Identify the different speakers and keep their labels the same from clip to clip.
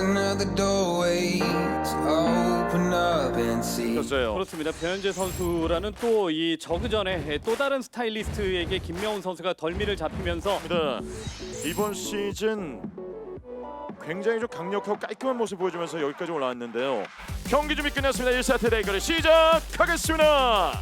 Speaker 1: another doorway to open up and see.
Speaker 2: 졌어요.
Speaker 3: 그렇습니다. 변현재 선수라는 또 이 저그전에 또 다른 스타일리스트에게 김명훈 선수가 덜미를 잡히면서
Speaker 2: 이번 시즌 굉장히 좀 강력하고 깔끔한 모습 보여주면서 여기까지 올라왔는데요. 경기 준비 끝났습니다. 1세트 대결을 시작하겠습니다.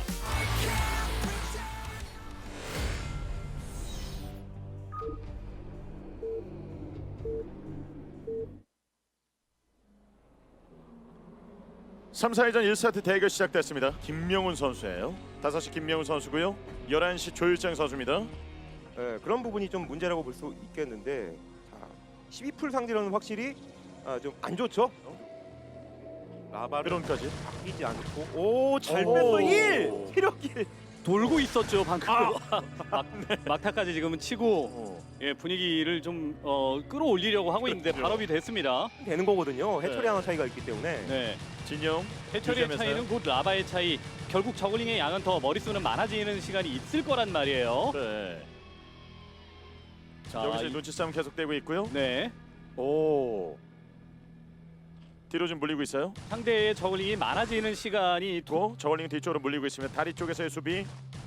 Speaker 2: (3, 4회전) 1세트 대결 시작됐습니다. 김명훈 선수예요. 5시 김명훈 선수고요. 11시 조일장 선수입니다.
Speaker 4: 네, 그런 부분이 좀 문제라고 볼 수 있겠는데, 자, 12풀 상대로는 확실히 좀 안 좋죠. 라바를
Speaker 2: 드론까지.
Speaker 4: 바뀌지 않고, 오, 잘
Speaker 2: 오.
Speaker 4: 뺐어. 1 체력 1.
Speaker 3: 돌고 있었죠 방금. 막타까지 지금은 치고
Speaker 2: 어.
Speaker 3: 예, 분위기를 좀 끌어올리려고 하고 있는데
Speaker 2: 그렇죠.
Speaker 3: 발업이 됐습니다.
Speaker 4: 되는 거거든요. 해처리
Speaker 2: 네.
Speaker 4: 하나 차이가 있기 때문에.
Speaker 3: 네.
Speaker 2: 진영
Speaker 3: 해처리의
Speaker 2: 유지하면서요.
Speaker 3: 차이는 곧 라바의 차이. 결국 저글링의 양은 더 머릿수는 많아지는 시간이 있을 거란 말이에요.
Speaker 2: 네.
Speaker 3: 자,
Speaker 2: 여기서 눈치 싸움 계속되고 있고요.
Speaker 3: 네.
Speaker 2: 오. 뒤로 좀 물리고 있어요.
Speaker 3: 상대의 저글링이 많아지는 시간이
Speaker 2: 또 저울링 뒤쪽으로 물리고 있습니다. 다리 쪽에서의 수비.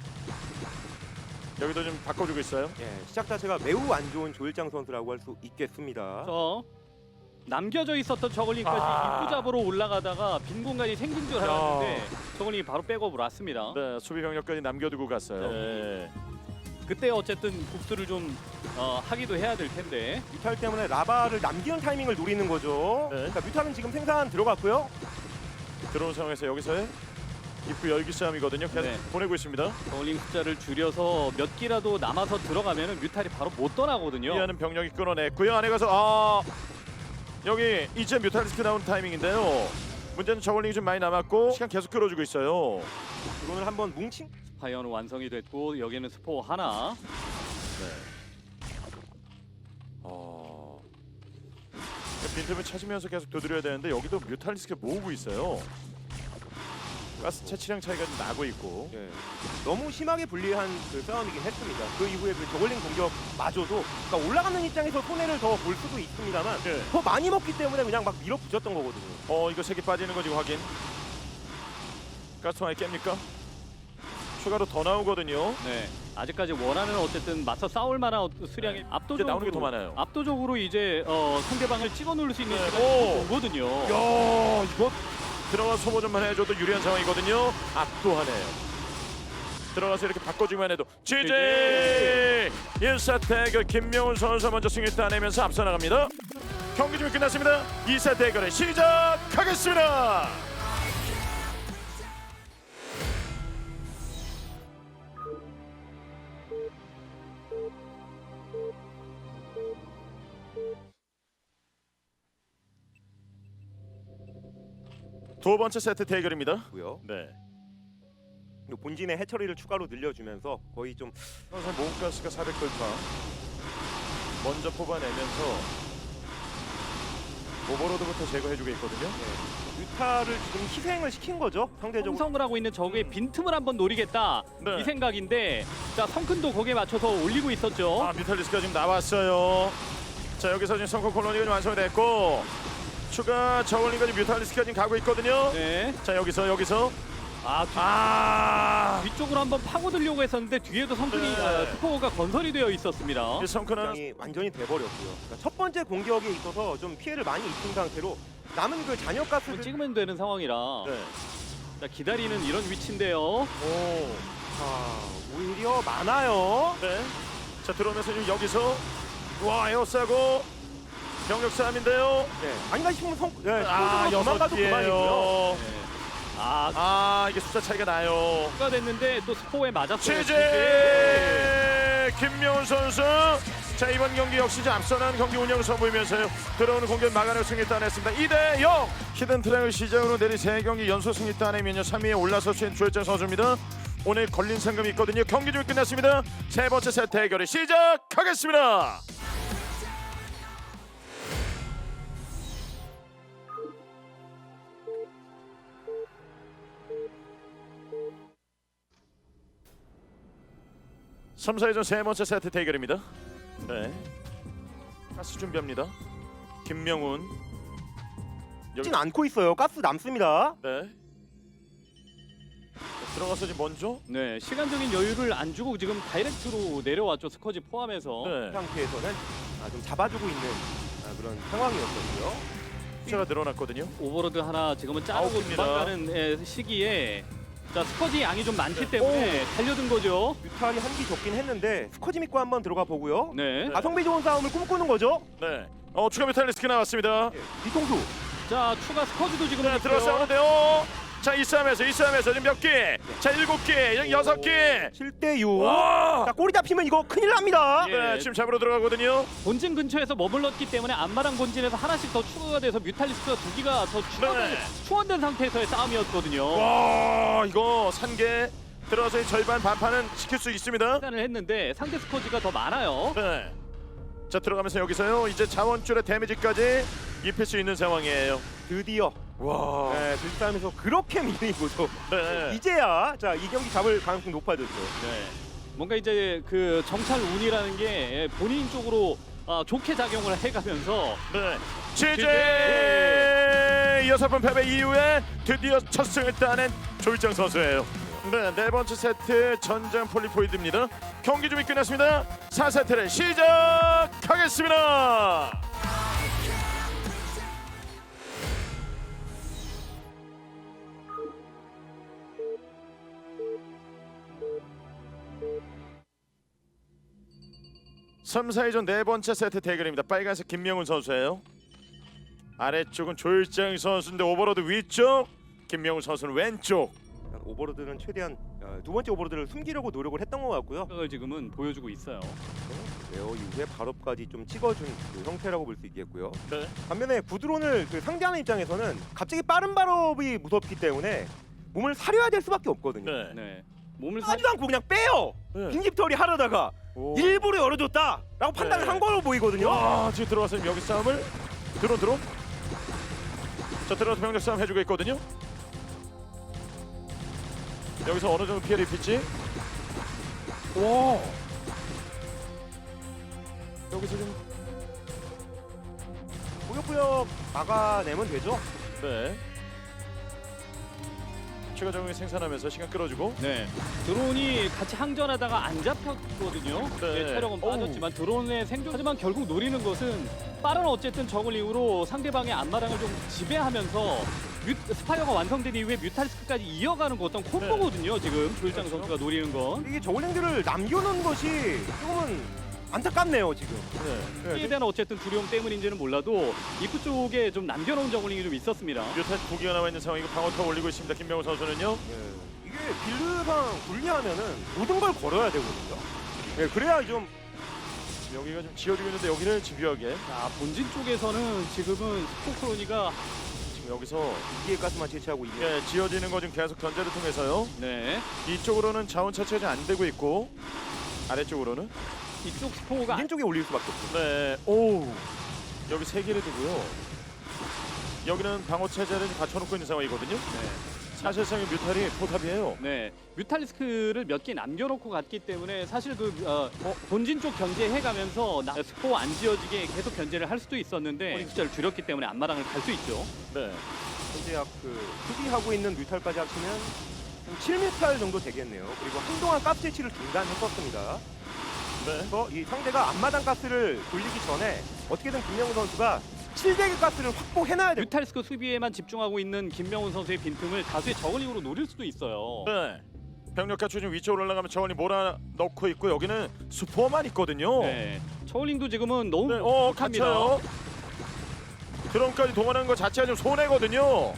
Speaker 2: 여기도 좀 바꿔주고 있어요.
Speaker 4: 예, 시작 자체가 매우 안 좋은 조일장 선수라고 할 수 있겠습니다.
Speaker 3: 남겨져 있었던 저글링까지 입구 잡으러 올라가다가 빈 공간이 생긴 줄 알았는데 저글링이 바로 백업을 왔습니다.
Speaker 2: 네, 수비 병력까지 남겨두고 갔어요. 네.
Speaker 3: 그때 어쨌든 복수를 좀 하기도 해야 될 텐데.
Speaker 4: 뮤탈 때문에 라바를 남기는 타이밍을 노리는 거죠.
Speaker 2: 네.
Speaker 4: 그러니까 뮤탈은 지금 생산 들어갔고요.
Speaker 2: 들어온 상황에서 여기서의 입구 열기 싸움이거든요. 계속
Speaker 3: 네.
Speaker 2: 보내고 있습니다.
Speaker 3: 저글링 숫자를 줄여서 몇 기라도 남아서 들어가면은 뮤탈이 바로 못 떠나거든요.
Speaker 2: 이하는 병력이 끊어냈고요. 안에 가서 여기 이제 뮤탈리스크 나오는 타이밍인데요. 문제는 저울링이 좀 많이 남았고 시간 계속 끌어주고 있어요.
Speaker 4: 이거는 한번 뭉친.
Speaker 3: 파이어는 완성이 됐고 여기는 스포 하나.
Speaker 2: 빈틈을 찾으면서 계속 두드려야 되는데 여기도 뮤탈리스크 모으고 있어요. 가스 채취량 차이가 좀 나고 있고.
Speaker 4: 예, 너무 심하게 불리한 그 싸움이긴 했습니다. 그 이후에 그 저글링 공격마저도 그러니까 올라가는 입장에서 손해를 더 볼 수도 있습니다만
Speaker 2: 네.
Speaker 4: 더 많이 먹기 때문에 그냥 막 밀어붙였던 거거든요.
Speaker 2: 이거 색이 빠지는 거 지금 확인. 가스통이 깹니까? 추가로 더 나오거든요.
Speaker 3: 네. 아직까지 원하는 어쨌든 맞서 싸울 만한 수량이
Speaker 2: 네.
Speaker 3: 압도적으로
Speaker 2: 이제 나오는 게 더 많아요.
Speaker 3: 압도적으로 이제 상대방을 찍어 누를 수 있는
Speaker 2: 네.
Speaker 3: 시간이
Speaker 2: 오.
Speaker 3: 오거든요.
Speaker 2: 야, 이거 들어가 소모전만 해줘도 유리한 상황이거든요. 압도하네요. 들어가서 이렇게 바꿔주기만 해도 GG! 1사 대결 김명훈 선수 먼저 승리 따내면서 앞서 나갑니다. 경기 준비 끝났습니다. 2사 대결을 시작하겠습니다. 두 번째 세트 대결입니다.
Speaker 4: 고요.
Speaker 2: 네.
Speaker 4: 그리고 본진의 해처리를 추가로 늘려주면서 거의 좀
Speaker 2: 선수 모가스가 400돌파 먼저 뽑아내면서 오버로드부터 제거해주고 있거든요.
Speaker 4: 뮤타를 지금 희생을 시킨 거죠. 상대적으로.
Speaker 3: 형성을 하고 있는 적의 빈틈을 한번 노리겠다
Speaker 2: 네.
Speaker 3: 이 생각인데 자 성큰도 거기에 맞춰서 올리고 있었죠.
Speaker 2: 뮤탈리스크가 지금 나왔어요. 자 여기서 지금 성공 콜로니가 좀 완성이 됐고 추가 저울링까지 뮤탈리스크가 지금 가고 있거든요.
Speaker 3: 네.
Speaker 2: 자 여기서
Speaker 3: 뒤쪽으로 한번 파고들려고 했었는데 뒤에도 성큰이
Speaker 2: 네.
Speaker 3: 스포가 건설이 되어 있었습니다.
Speaker 2: 이 성큰은
Speaker 4: 굉장히 완전히 돼버렸고요. 그러니까 첫 번째 공격에 있어서 좀 피해를 많이 입힌 상태로 남은 그 잔여
Speaker 3: 한번
Speaker 4: 가스를
Speaker 3: 찍으면 되는 상황이라
Speaker 2: 네.
Speaker 3: 자, 기다리는 이런 위치인데요.
Speaker 2: 오.
Speaker 4: 자, 오히려 많아요.
Speaker 2: 네. 자 들어오면서 지금 여기서 와 에어싸고 병력 싸움인데요.
Speaker 4: 네. 아닌가 싶으면
Speaker 2: 아
Speaker 4: 도망가도 그만이고요.
Speaker 2: 6개예요.
Speaker 3: 네.
Speaker 2: 이게 숫자 차이가 나요.
Speaker 3: 추가 됐는데 또 스포에 맞았어요.
Speaker 2: 취재 김명훈 선수. 자 이번 경기 역시 이제 앞서는 경기 운영을 선보이면서요 들어오는 공격 막아내고 승리 따냈습니다. 2대0 히든 트랙을 시작으로 내린 3경기 연속 승리 따내면요 3위에 올라서신 조일장 선수입니다. 오늘 걸린 상금이 있거든요. 경기 좀 끝났습니다. 세 번째 세트 대결을 시작하겠습니다. (3, 4회전) 세 번째 세트 대결입니다. 네. 가스 준비합니다. 김명훈
Speaker 4: 진 않고 있어요. 가스 남습니다.
Speaker 2: 네. 들어가서 지금 먼저.
Speaker 3: 네, 시간적인 여유를 안 주고 지금 다이렉트로 내려왔죠. 스커지 포함해서.
Speaker 2: 네.
Speaker 4: 상태에서는 좀 잡아주고 있는 그런 상황이었거든요.
Speaker 2: 숫자가 늘어났거든요.
Speaker 3: 오버로드 하나 지금은 자르고
Speaker 2: 아웃입니다.
Speaker 3: 도망가는 시기에 자 스커지 양이 좀 많기 때문에 달려든 거죠.
Speaker 4: 뮤탈이 한기 적긴 했는데 스커지 믿고 한번 들어가 보고요.
Speaker 3: 네.
Speaker 4: 가성비 좋은 싸움을 꿈꾸는 거죠.
Speaker 2: 네. 추가 메탈리스크 나왔습니다.
Speaker 4: 예, 뒤통수.
Speaker 3: 자 추가 스커지도 지금
Speaker 2: 네,
Speaker 3: 있고요.
Speaker 2: 들어서 싸우는데요. 자, 이 싸움에서 지금 몇 개? 자, 7개, 6개.
Speaker 4: 7대6.
Speaker 2: 와!
Speaker 4: 자, 꼬리 잡히면 이거 큰일 납니다.
Speaker 3: 예.
Speaker 2: 네, 지금 잡으러 들어가거든요.
Speaker 3: 본진 근처에서 머물렀기 때문에 앞마당 본진에서 하나씩 더 추가가 돼서 뮤탈리스크가 2기가 더
Speaker 2: 네.
Speaker 3: 추원된 상태에서의 싸움이었거든요.
Speaker 2: 와, 이거 산개 들어가서 이 절반 반판은 시킬 수 있습니다.
Speaker 3: 판단을 했는데 상대 스커지가 더 많아요.
Speaker 2: 네. 자, 들어가면서 여기서요. 이제 자원줄의 데미지까지 입힐 수 있는 상황이에요.
Speaker 4: 드디어
Speaker 2: 와.
Speaker 4: 네, 들싸움에서 그렇게 밀리고도
Speaker 2: 네.
Speaker 4: 이제야 자, 이 경기 잡을 가능성이 높아졌죠.
Speaker 3: 네. 뭔가 이제 그 정찰 운이라는 게 본인 쪽으로 좋게 작용을 해가면서
Speaker 2: 네. 취재 6번 패배 이후에 드디어 첫 승을 따낸 조일장 선수예요. 네, 네 번째 세트 전장 폴리포이드입니다. 경기 준비 끝났습니다. 4세트를 시작하겠습니다. 삼, 4위전 네 번째 세트 대결입니다. 빨간색 김명훈 선수예요. 아래쪽은 조일장 선수인데 오버로드 위쪽, 김명훈 선수는 왼쪽.
Speaker 4: 오버로드는 최대한 두 번째 오버로드를 숨기려고 노력을 했던 것 같고요.
Speaker 3: 생각을 지금은 보여주고 있어요.
Speaker 4: 레어 이후에 발업까지 좀 찍어준 그 형태라고 볼 수 있겠고요.
Speaker 2: 네.
Speaker 4: 반면에 구드론을 상대하는 입장에서는 갑자기 빠른 발업이 무섭기 때문에 몸을 사려야 될 수밖에 없거든요.
Speaker 2: 네.
Speaker 3: 네. 몸을
Speaker 4: 하지도 않고 그냥 빼요.
Speaker 2: 네.
Speaker 4: 빈집털이 하려다가
Speaker 2: 오.
Speaker 4: 일부러 열어줬다라고 판단을
Speaker 2: 네.
Speaker 4: 한 걸로 보이거든요.
Speaker 2: 와, 지금 들어와서 여기 싸움을 드론. 자, 들어와서 병력 싸움 해주고 있거든요. 여기서 어느 정도 피해를 입힐지. 와. 여기서 좀
Speaker 4: 꾸역꾸역 막아내면 되죠.
Speaker 2: 네. 추가 적응이 생산하면서 시간 끌어주고.
Speaker 3: 네. 드론이 같이 항전하다가 안 잡혔거든요.
Speaker 2: 네.
Speaker 3: 네, 체력은
Speaker 2: 오우.
Speaker 3: 빠졌지만 드론의 생존. 하지만 결국 노리는 것은 빠른 어쨌든 저글링으로 상대방의 앞마당을 좀 지배하면서 스파이어가 완성된 이후에 뮤탈리스크까지 이어가는 거 어떤 콤보거든요. 지금 조일장
Speaker 2: 그렇죠.
Speaker 3: 선수가 노리는 건.
Speaker 4: 이게 저글링들을 남겨놓은 것이 조금은 안타깝네요 지금.
Speaker 2: 네.
Speaker 3: 이에 대한 어쨌든 두려움 때문인지는 몰라도 입구 쪽에 좀 남겨놓은 저글링이 좀 있었습니다.
Speaker 2: 뮤탄 2기가 나와 있는 상황이고 방어타 올리고 있습니다. 김명훈 선수는요.
Speaker 4: 이게 빌드상 분리하면은 모든 걸 걸어야 되거든요. 네, 그래야 좀
Speaker 2: 여기가 좀 지어지고 있는데 여기를 집요하게
Speaker 3: 자, 본진 쪽에서는 지금은 스포크로니가
Speaker 2: 지금 여기서
Speaker 4: 이기의 가스만 채취하고 있는.
Speaker 2: 예, 지어지는 거 좀 계속 견제를 통해서요.
Speaker 3: 네.
Speaker 2: 이쪽으로는 자원 차치가 좀 안 되고 있고 아래쪽으로는
Speaker 3: 이쪽 스포가
Speaker 4: 왼쪽에 올릴 수밖에 없죠.
Speaker 2: 네. 오. 여기 세 개를 두고요. 여기는 방어 체제를 갖춰놓고 있는 상황이거든요. 사실상 이 뮤탈이 포탑이에요.
Speaker 3: 네, 뮤탈리스크를 몇 개 남겨놓고 갔기 때문에 사실 본진 쪽 견제해가면서 스포 안 지어지게 계속 견제를 할 수도 있었는데 숫자를 줄였기 때문에 앞마당을 갈 수 있죠.
Speaker 2: 네.
Speaker 4: 현재 약 수비하고 있는 뮤탈까지 합치면 7뮤탈 정도 되겠네요. 그리고 한동안 가스 채취를 중단했었습니다.
Speaker 2: 네.
Speaker 4: 그래서 이 상대가 앞마당 가스를 돌리기 전에 어떻게든 김명훈 선수가 700의 가스를 확보해놔야 돼요.
Speaker 3: 뮤탈리스크 수비에만 집중하고 있는 김명훈 선수의 빈틈을 다수의 저글링으로 노릴 수도 있어요.
Speaker 2: 네. 병력 갖추 좀 위쪽으로 올라가면 저원이 몰아 넣고 있고 여기는 수포만 있거든요.
Speaker 3: 네, 저글링도 지금은 너무
Speaker 2: 네.
Speaker 3: 부족합니다.
Speaker 2: 갇혀요. 드론까지 동원하는 것 자체가 좀 손해거든요.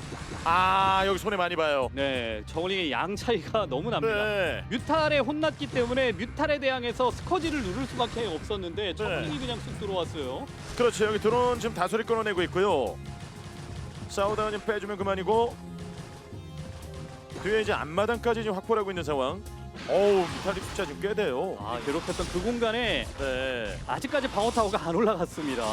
Speaker 2: 아, 여기 손해 많이 봐요.
Speaker 3: 네, 저글링의 양 차이가 너무 납니다.
Speaker 2: 네.
Speaker 3: 뮤탈에 혼났기 때문에 뮤탈에 대항해서 스커지를 누를 수밖에 없었는데 저글링이 그냥 쑥 들어왔어요.
Speaker 2: 그렇죠. 여기 드론 지금 다소리 끊어내고 있고요. 싸우다가 좀 빼주면 그만이고 뒤에 이제 앞마당까지 지금 확보를 하고 있는 상황. 어우, 뮤탈릭 숫자 지금 꽤 돼요.
Speaker 3: 아, 괴롭혔던 그 공간에
Speaker 2: 네.
Speaker 3: 아직까지 방어 타워가 안 올라갔습니다.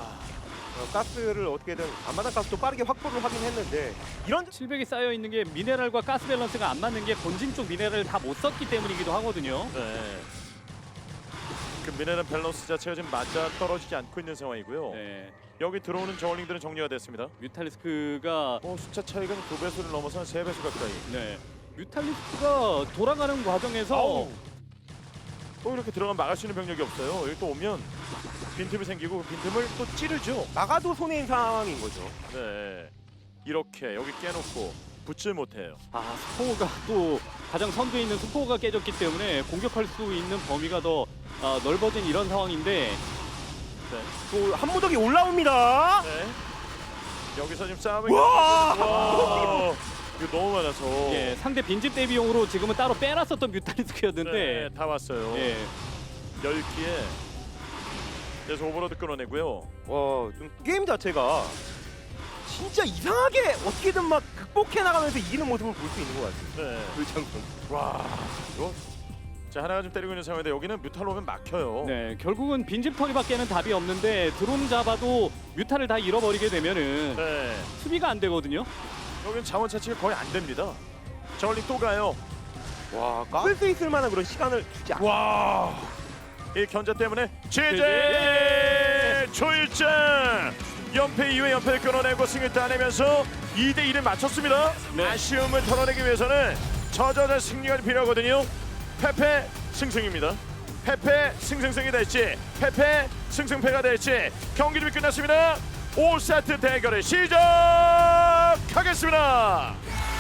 Speaker 4: 가스를 어떻게든 앞마당 가스도 빠르게 확보를 하긴 했는데 이런
Speaker 3: 700이 쌓여 있는 게 미네랄과 가스 밸런스가 안 맞는 게 본진 쪽 미네랄을 다 못 썼기 때문이기도 하거든요.
Speaker 2: 네. 그 미네랄 밸런스 자체가 지금 맞아 떨어지지 않고 있는 상황이고요.
Speaker 3: 네.
Speaker 2: 여기 들어오는 저울링들은 정리가 됐습니다.
Speaker 3: 뮤탈리스크가
Speaker 2: 숫자 차이가 2배수를 넘어서 한 3배수 가까이.
Speaker 3: 네. 뮤탈리스크가 돌아가는 과정에서
Speaker 2: 아우. 또 이렇게 들어가면 막을 수 있는 병력이 없어요. 여기 또 오면 빈틈이 생기고 그 빈틈을 또 찌르죠.
Speaker 4: 막아도 손해인 상황인 거죠.
Speaker 2: 네. 이렇게 여기 깨놓고 붙질 못해요.
Speaker 3: 스포가 또 가장 선두에 있는 스포가 깨졌기 때문에 공격할 수 있는 범위가 더 넓어진 이런 상황인데
Speaker 4: 또 한무덕이 올라옵니다.
Speaker 2: 네. 여기서 지금 싸움을.
Speaker 4: 와!
Speaker 2: 와! 이거 너무 많아서.
Speaker 3: 예, 상대 빈집 대비용으로 지금은 따로 빼놨었던 뮤탈리스크였는데
Speaker 2: 네, 다 왔어요.
Speaker 3: 예,
Speaker 2: 10기에. 그래서 오버로드 끊어내고요.
Speaker 4: 와, 좀 게임 자체가 진짜 이상하게 어떻게든 막 극복해 나가면서 이기는 모습을 볼 수 있는 것 같아요.
Speaker 2: 네.
Speaker 4: 불창 선수.
Speaker 2: 와. 이거. 자, 하나가 좀 때리고 있는 상황인데 여기는 뮤탈 오면 막혀요.
Speaker 3: 네, 결국은 빈집 털이밖에는 답이 없는데 드론 잡아도 뮤탈을 다 잃어버리게 되면은
Speaker 2: 네.
Speaker 3: 수비가 안 되거든요.
Speaker 2: 여기는 자원 차치가 거의 안 됩니다. 저울링 또 가요.
Speaker 4: 와, 깎을 수 있을 만한 그런 시간을 주지 않.
Speaker 2: 와. 이 견제 때문에 제재 조일장 연패 이후에 연패를 끊어내고 승을 따내면서 2대1을 맞췄습니다.
Speaker 3: 네.
Speaker 2: 아쉬움을 털어내기 위해서는 저저저 승리가 필요하거든요. 패패 승승입니다. 패패 승승승이 될지 패패 승승패가 될지 경기 준비 끝났습니다. 5세트 대결을 시작하겠습니다.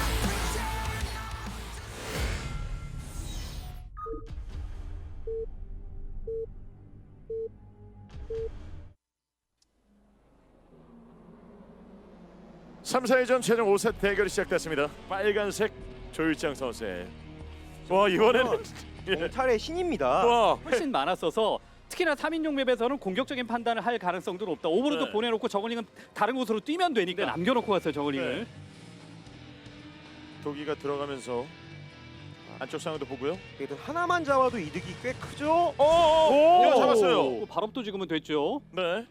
Speaker 2: 삼 4회전 최종 5세트 대결이 시작됐습니다. 빨간색 조일장 선수의 와 이번에는
Speaker 4: 경찰의 신입니다.
Speaker 2: 와
Speaker 3: 훨씬 많았어서 특히나 3인용 맵에서는 공격적인 판단을 할 가능성도 높다. 오버로드
Speaker 2: 네.
Speaker 3: 보내놓고 저글링은 다른 곳으로 뛰면 되니까 남겨놓고 갔어요 저글링을.
Speaker 2: 네. 도기가 들어가면서 안쪽 상황도 보고요.
Speaker 4: 그래도 하나만 잡아도 이득이 꽤 크죠.
Speaker 2: 오, 이거 잡았어요.
Speaker 3: 또 발업도 지금은 됐죠.
Speaker 2: 네.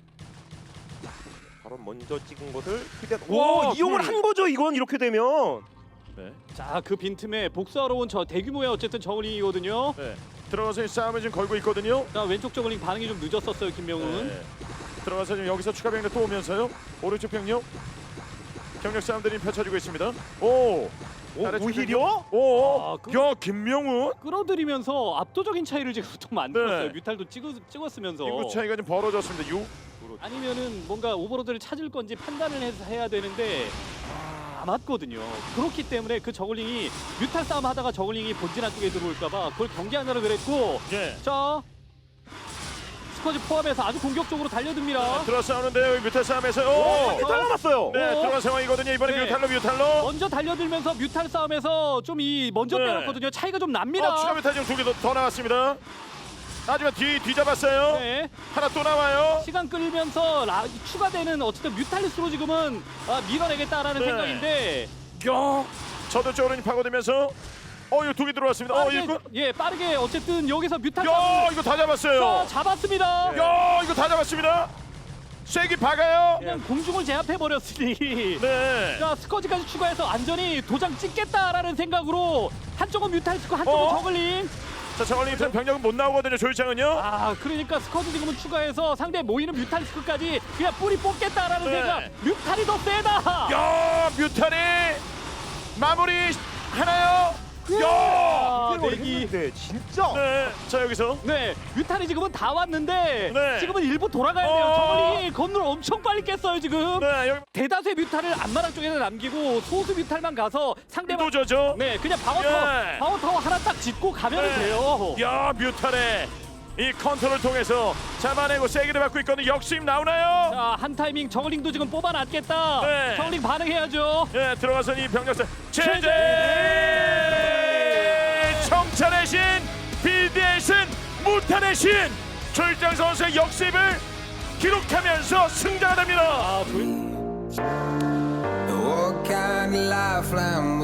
Speaker 4: 바로 먼저 찍은 것을 그냥
Speaker 2: 와,
Speaker 4: 이용을 한 거죠. 이건 이렇게 되면.
Speaker 2: 네.
Speaker 3: 자, 그 빈틈에 복수하러 온 저 대규모의 어쨌든 저글링이거든요.
Speaker 2: 네. 들어가서 이 싸움을 지금 걸고 있거든요.
Speaker 3: 자, 왼쪽 저글링 반응이 좀 늦었었어요 김명훈.
Speaker 2: 네. 들어가서 지금 여기서 추가 병력 또 오면서요. 오른쪽 병력 경력 싸움들이 펼쳐지고 있습니다. 오. 아래쪽
Speaker 4: 오히려?
Speaker 2: 오.
Speaker 3: 아,
Speaker 2: 야 김명훈.
Speaker 3: 끌어들이면서 압도적인 차이를 지금 또 만들었어요.
Speaker 2: 네.
Speaker 3: 뮤탈도 찍었으면서.
Speaker 2: 인구 차이가 좀 벌어졌습니다. 6.
Speaker 3: 아니면은 뭔가 오버로드를 찾을 건지 판단을 해야 되는데 안 맞거든요. 그렇기 때문에 그 저글링이 뮤탈 싸움 하다가 저글링이 본진 안쪽에 들어올까봐 그걸 경계하느라 그랬고.
Speaker 2: 예.
Speaker 3: 자, 스쿼지 포함해서 아주 공격적으로 달려듭니다.
Speaker 2: 들어 싸우는데요. 여기 뮤탈 싸움에서
Speaker 4: 오,
Speaker 2: 오.
Speaker 4: 뮤탈 남았어요.
Speaker 2: 네,
Speaker 3: 오.
Speaker 2: 들어간 상황이거든요. 이번에
Speaker 3: 네.
Speaker 2: 뮤탈로.
Speaker 3: 먼저 달려들면서 뮤탈 싸움에서 좀 먼저
Speaker 2: 네.
Speaker 3: 빼놨거든요. 차이가 좀 납니다.
Speaker 2: 추가 뮤탈 지금 2개 더 나왔습니다. 하지만 뒤잡았어요.
Speaker 3: 네.
Speaker 2: 하나 또 나와요.
Speaker 3: 시간 끌면서 추가되는 어쨌든 뮤탈리스로 지금은 밀어내겠다라는
Speaker 2: 네.
Speaker 3: 생각인데.
Speaker 2: 야, 저도 쪽으로 파고들면서 이거 2개 들어왔습니다.
Speaker 3: 빠르게,
Speaker 2: 이거.
Speaker 3: 빠르게 어쨌든 여기서 뮤탈
Speaker 2: 야,
Speaker 3: 싸움
Speaker 2: 이거 다 잡았어요.
Speaker 3: 잡았습니다.
Speaker 2: 야, 이거 다 잡았습니다. 쐐기 박아요.
Speaker 3: 그냥 공중을 제압해 버렸으니.
Speaker 2: 네.
Speaker 3: 자, 스커지까지 추가해서 안전히 도장 찍겠다라는 생각으로 한쪽은 뮤탈리스크 한쪽은 저글링.
Speaker 2: 자, 저걸링 병력은 못 나오거든요. 조일장은요.
Speaker 3: 그러니까 스커지 지금은 추가해서 상대 모이는 뮤탈리스크까지 그냥 뿌리 뽑겠다라는
Speaker 2: 네.
Speaker 3: 생각. 뮤탈이 더 세다.
Speaker 2: 야, 뮤탈이 마무리 하나요. 야.
Speaker 3: 내기.
Speaker 4: 네, 진짜.
Speaker 2: 네. 자, 여기서
Speaker 3: 네, 뮤탈이 지금은 다 왔는데
Speaker 2: 네.
Speaker 3: 지금은 일부 돌아가야 돼요. 저글링이 건물 엄청 빨리 깼어요 지금.
Speaker 2: 네, 여기
Speaker 3: 대다수의 뮤탈을 앞마당 쪽에서 남기고 소수 뮤탈만 가서 상대방
Speaker 2: 도저죠.
Speaker 3: 네, 그냥
Speaker 2: 예.
Speaker 3: 방어타워 하나 딱 짓고 가면
Speaker 2: 네.
Speaker 3: 돼요.
Speaker 2: 야, 뮤탈의 이 컨트롤을 통해서 잡아내고 세기를 받고 있거든요. 역수임 나오나요?
Speaker 3: 자, 한 타이밍 저글링도 지금 뽑아놨겠다.
Speaker 2: 네.
Speaker 3: 저글링 반응해야죠.
Speaker 2: 예, 들어가서 이 병력사 제재 청찰의 신 비디의 신 무탄의 신 조일장 선수의 역습을 기록하면서 승자가 됩니다.
Speaker 1: What kind of lifeline